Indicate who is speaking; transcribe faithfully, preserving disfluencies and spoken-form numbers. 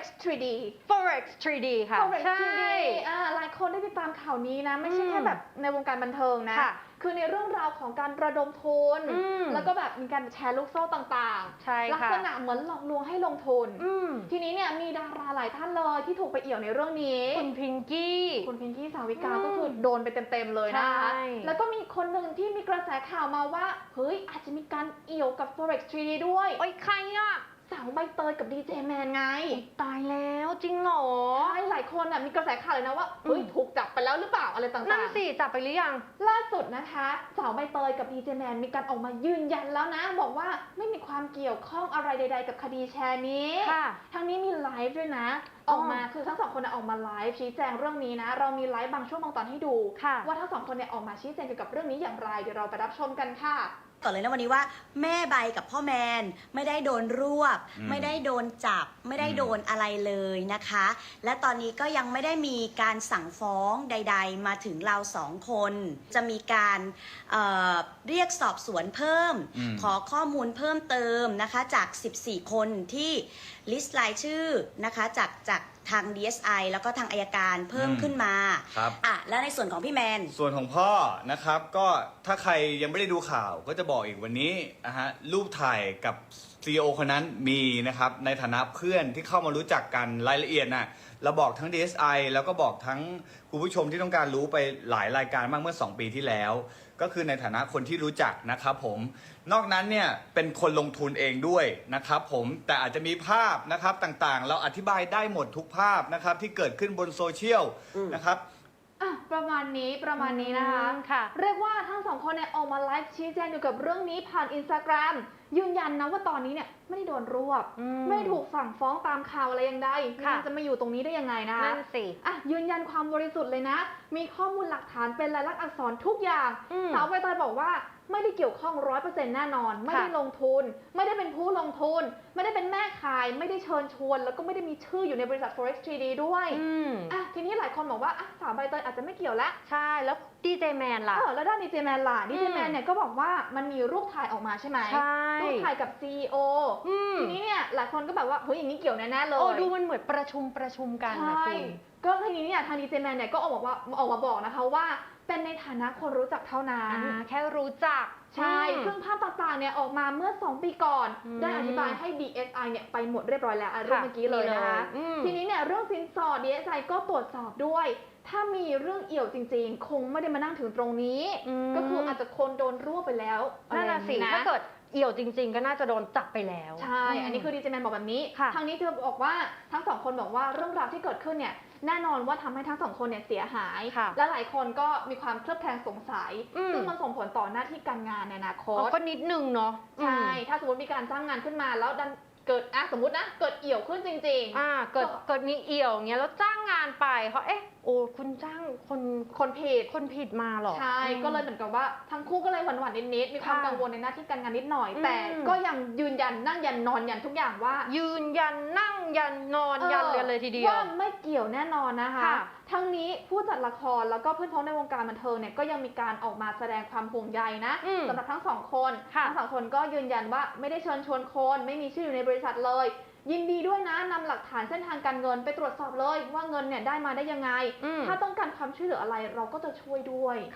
Speaker 1: ทรี ดี
Speaker 2: Forex ทรี ดี ค่ะ
Speaker 1: Forex
Speaker 2: ใช่
Speaker 1: ทรี ดี อ่าหลายคนได้ติดตามข่าวนี้นะไม่ใช่แค่แบบในวงการบันเทิงนะคือในเรื่องราวของการระดมทุนแล้วก็แบบมีการแชร์ลูกโซ่ต่างๆลักษณะเหมือนหลอกลวงให้ลงทุนทีนี้เนี่ยมีดาราหลายท่านเลยที่ถูกไปเอี่ยวในเรื่องนี้
Speaker 2: คุณพิงกี้
Speaker 1: คุณพิงกี้สาวิกาก็คือโดนไปเต็มๆเลยนะคะแล้วก็มีคนหนึ่งที่มีกระแสข่าวมาว่าเฮ้ยอาจจะมีการเอี่ยวกับ Forex ทรี ดี ด้วย
Speaker 2: โอ้ยใครอะ
Speaker 1: สาวใบเตยกับดีเจแมนไง
Speaker 2: ตายแล้วจริงเหรอ
Speaker 1: ใช่หลายคนอ่ะมีกระแสข่าวเลยนะว่าเฮ้ยถูกจับไปแล้วหรือเปล่าอะไรต่างๆ
Speaker 2: นั่นสิจับไปหรือยัง
Speaker 1: ล่าสุดนะคะสาวใบเตยกับดีเจแมนมีการออกมายืนยันแล้วนะบอกว่าไม่มีความเกี่ยวข้องอะไรใดๆกับคดีแชร์นี้ทั้งนี้มีไลฟ์ด้วยนะออกมาคือทั้งสองคนออกมาไลฟ์ชี้แจงเรื่องนี้นะเรามีไลฟ์บางช่วงบางตอนให้ดูว่าทั้งสองคนเนี่ยออกมาชี้แจงเกี่ยวกับเรื่องนี้อย่างไรเดี๋ยวเราไปรับชมกันค่ะ
Speaker 3: ก่อนเลยนะวันนี้ว่าแม่ใบกับพ่อแมนไม่ได้โดนรวบไม่ได้โดนจับไม่ได้โดนอะไรเลยนะคะและตอนนี้ก็ยังไม่ได้มีการสั่งฟ้องใดๆมาถึงเราสองคนจะมีการเเรียกสอบสวนเพิ่มขอข้อมูลเพิ่มเติมนะคะจากสิบสี่คนที่ลิสต์รายชื่อนะคะจากจากทาง ดี เอส ไอ แล้วก็ทางอัยการเพิ่มขึ้นมา
Speaker 4: ครับ
Speaker 3: อ่ะแล้วในส่วนของพี่แมน
Speaker 4: ส่วนของพ่อนะครับก็ถ้าใครยังไม่ได้ดูข่าวก็จะบอกอีกวันนี้นะฮะรูปถ่ายกับ ซี อี โอ คนนั้นมีนะครับในฐานะเพื่อนที่เข้ามารู้จักกันรายละเอียดน่ะเราบอกทั้ง ดี เอส ไอ แล้วก็บอกทั้งคุณผู้ชมที่ต้องการรู้ไปหลายรายการมากเมื่อสองปีที่แล้วก็คือในฐานะคนที่รู้จักนะครับผมนอกนั้นเนี่ยเป็นคนลงทุนเองด้วยนะครับผมแต่อาจจะมีภาพนะครับต่างๆเราอธิบายได้หมดทุกภาพนะครับที่เกิดขึ้นบนโซเชียลนะครับ
Speaker 1: อ่ะประมาณนี้ประมาณนี้นะคะ
Speaker 2: ค่ะ
Speaker 1: เรียกว่าทั้งสองคนเนี่ยออกมาไลฟ์ชี้แจงเกี่ยวกับเรื่องนี้ผ่านอินสตาแกรมยืนยันนะว่าตอนนี้เนี่ยไม่ได้โดนรวบไม่ถูกสั่งฟ้องตามข่าวอะไรยังไงมันจะมาอยู่ตรงนี้ได้ยังไงนะคะ
Speaker 2: นั่นสิ
Speaker 1: อ่ะยืนยันความบริสุทธิ์เลยนะมีข้อมูลหลักฐานเป็นลายลักษณ์อักษรทุกอย่างสาวใบเตยบอกว่าไม่ได้เกี่ยวข้องร้อยเปอร์เซ็นต์แน่นอนไม่ได้ลงทุนไม่ได้เป็นผู้ลงทุนไม่ได้เป็นแม่ขายไม่ได้เชิญชวนแล้วก็ไม่ได้มีชื่ออยู่ในบริษัท Forex ทรี ดี ด้วยอ่ะทีนี้หลายคนบอกว่าอ่ะสาวใบเตยอาจจะไม่เกี่ยวแล้ว
Speaker 2: ใช่แล้วดีเจแมนล่ะ
Speaker 1: เออแล้วด้านดีเจแมนล่ะดีเจแมนเนี่ยก็บอกว่ามันมีรูปถ่ายออกมาใช่ไหม
Speaker 2: ใช่
Speaker 1: รูปถ่ายกับ ซี อี โอ ทีนี้เนี่ยหลายคนก็แบบว่าเฮ้ยอย่างนี้เกี่ยวแน่ๆเลย
Speaker 2: โอ้ดูมันเหมือนประชุมประชุมกันนะคุณ
Speaker 1: ก็ทีนี้เนี่ยทางดีเจแมนเนี่ยก็ออกมาว่าออกมาบอกนะคะว่าเป็นในฐานะคนรู้จักเท่านั้น
Speaker 2: แค่รู้จัก
Speaker 1: ใช่ซึ่งภาพต่างๆเนี่ยออกมาเมื่อสองปีก่อนได้อธิบายให้ ดี เอส ไอ เนี่ยไปหมดเรียบร้อยแล้วเรื่องเมื่อกี้เลยนะคะทีนี้เนี่ยเรื่องสินสอด ดี เอส ไอ ก็ตรวจสอบด้วยถ้ามีเรื่องเอี่ยวจริงๆคงไม่ได้มานั่งถึงตรงนี้ก็คืออาจจะคนโดนรวบไปแล้ว
Speaker 2: นั่นน่ะสิถ้าเกิดเอี่ยวจริงๆก็น่าจะโดนจับไปแล้ว
Speaker 1: ใช่อันนี้คือดีเจแมนบอกแบบนี้ทางนี้เธอบอกว่าทั้งสองคนบอกว่าเรื่องราวที่เกิดขึ้นเนี่ยแน่นอนว่าทำให้ทั้งสองคนเนี่ยเสียหายและหลายคนก็มีความเคลือบแคลงสงสัยซึ่งมันส่งผลต่อหน้าที่การงานในอนาคต
Speaker 2: ก็นิดนึงเนาะ
Speaker 1: ใช่ถ้าสมมติมีการจ้างงานขึ้นมาแล้วดันเกิดอ่ะสมมตินะเกิดเอี่ยวขึ้นจริง
Speaker 2: ๆอ่าเกิดเกิดมีเอี่ยวอย่างเงี้ยแล้วจ้างงานไปเขาเอ๊ะโอ้คุณจ้างคน
Speaker 1: คนผิด
Speaker 2: คนผิดมาหรอ
Speaker 1: ใช่ก็เลยเหมือนกับว่าทั้งคู่ก็เลยหวั่นหวั่นนิดๆมีความกังวลในหน้าที่การงานนิดหน่อยแต่ก็ยังยืนยันนั่งยันนอนยันทุกอย่างว่า
Speaker 2: ยืนยันนั่งยันนอนยันเลยเลยทีเดียว
Speaker 1: ว่าไม่เกี่ยวแน่นอนนะคะทั้งนี้ผู้จัดละครแล้วก็เพื่อนพ้องในวงการบันเทิงเนี่ยก็ยังมีการออกมาแสดงความห่วงใยนะสำหรับทั้งสองคนทั้งสองคนก็ยืนยันว่าไม่ได้เชิญชวนคนไม่มีชื่ออยู่ในบริษัทเลยยินดีด้วยนะนำหลักฐานเส้นทางการเงินไปตรวจสอบเลยว่าเงินเนี่ยได้มาได้ยังไงถ้าต้องการความช่วยเหลืออะไรเราก็จะช่วยด้วย